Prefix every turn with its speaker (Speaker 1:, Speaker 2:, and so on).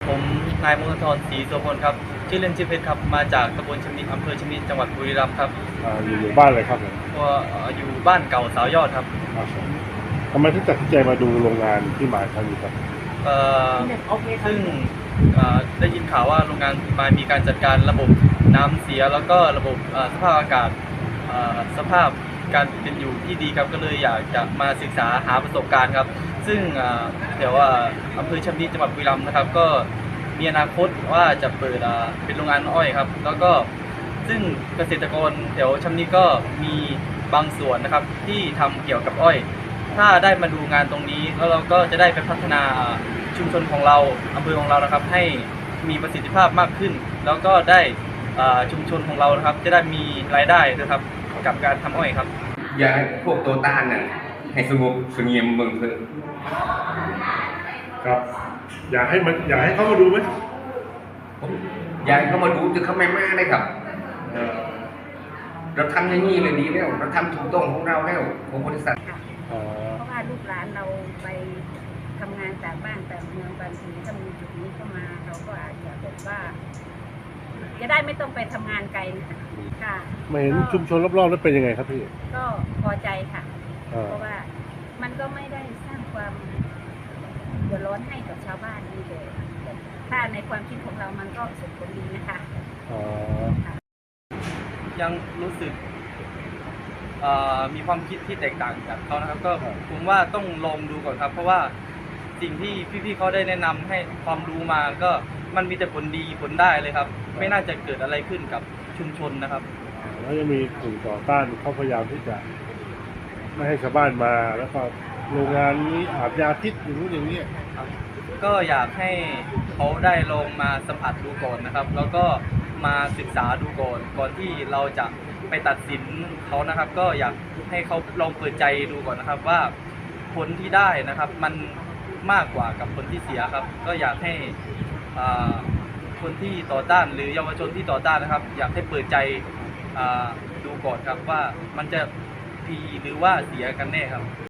Speaker 1: ผมนายมงคลธรศรีโสพลครับชื่อเล่นชื่อเพชรครับมาจากตำบลชำนิอำเภอชำนิจังหวัดบุรีรัมย์ครับ
Speaker 2: อยู่หมู่บ้านอะไรครับผม
Speaker 1: ก็อยู่บ้านเก่าสาวยอดครับ
Speaker 2: ครับผมทำไมถึงตัดสินใจมาดูโรงงานที่มาครั้งนี้ครับ
Speaker 1: เอ่อซึ่งได้ยินข่าวว่าโรงงานมามีการจัดการระบบน้ำเสียแล้วก็ระบบสภาพอากาศสภาพการเป็นอยู่ที่ดีครับก็เลยอยากจะมาศึกษาหาประสบการณ์ครับซึ่งแถวอำเภอชำนิจังหวัดบุรีรัมย์นะครับก็มีอนาคตว่าจะเปิดเป็นโรงงานอ้อยครับแล้วก็ซึ่งเกษตรกรแถวชำนิก็มีบางส่วนนะครับที่ทำเกี่ยวกับอ้อยถ้าได้มาดูงานตรงนี้แล้วเราก็จะได้ไปพัฒนาชุมชนของเราอำเภอของเรานะครับให้มีประสิทธิภาพมากขึ้นแล้วก็ได้ชุมชนของเรานะครับจะได้มีรายได้นะครับกับการทำอ้อยครับ
Speaker 3: อยากให้พวกตัวต้านน่ะให้สงบเสงี่ยมเมืองเถอะ
Speaker 2: ครับอยากให้เขามาดูไหม
Speaker 3: ผมอยากให้เขามาดูจะเขาไม่มาได้ครับเราทำอย่างนี้เลยดีแล้วเราทำถูกต้องของเราแล้วของบริษัท
Speaker 4: เพราะว่าลูกหลานเราไปทำงานจากบ้านแต่เมืองบางทีถ้ามีจุดนี้เข้ามาเราก็อาจจะแบบว่าจะได้ไม่ต้องไปทำงานไกลค่ะ
Speaker 2: มาเห็นชุมชนรอบๆแล้วเป็นยังไงครับพี่
Speaker 4: ก็พอใจค่ะเพราะว่ามันก็ไม่ได้สร้างความเดือดร้อนให้กับชาวบ้านนี่เลยถ้าในความคิดของเรามันก็สุดผลดีนะคะ
Speaker 1: ยังรู้สึกมีความคิดที่แตกต่างจากเขานะครับก็ผมว่าต้องลองดูก่อนครับเพราะว่าสิ่งที่พี่ๆเขาได้แนะนำให้ความรู้มาก็มันมีแต่ผลดีผลได้เลยครับไม่น่าจะเกิดอะไรขึ้นกับชุมชนนะครับ
Speaker 2: แล้วยังมีกลุ่มต่อต้านเขาพยายามที่จะไม่ให้ชาวบ้านมาแล้วก็โรงงานนี้อาบยาพิษอย่างนู้นอย่างนี้
Speaker 1: ก็อยากให้เขาได้ลองมาสัมผัสดูก่อนนะครับแล้วก็มาศึกษาดูก่อนที่เราจะไปตัดสินเขานะครับก็อยากให้เขาลองเปิดใจดูก่อนนะครับว่าผลที่ได้นะครับมันมากกว่ากับผลที่เสียครับก็อยากให้คนที่ต่อต้านหรือเยาวชนที่ต่อต้านนะครับอยากให้เปิดใจดูก่อนครับว่ามันจะดีหรือว่าเสียกันแน่ครับ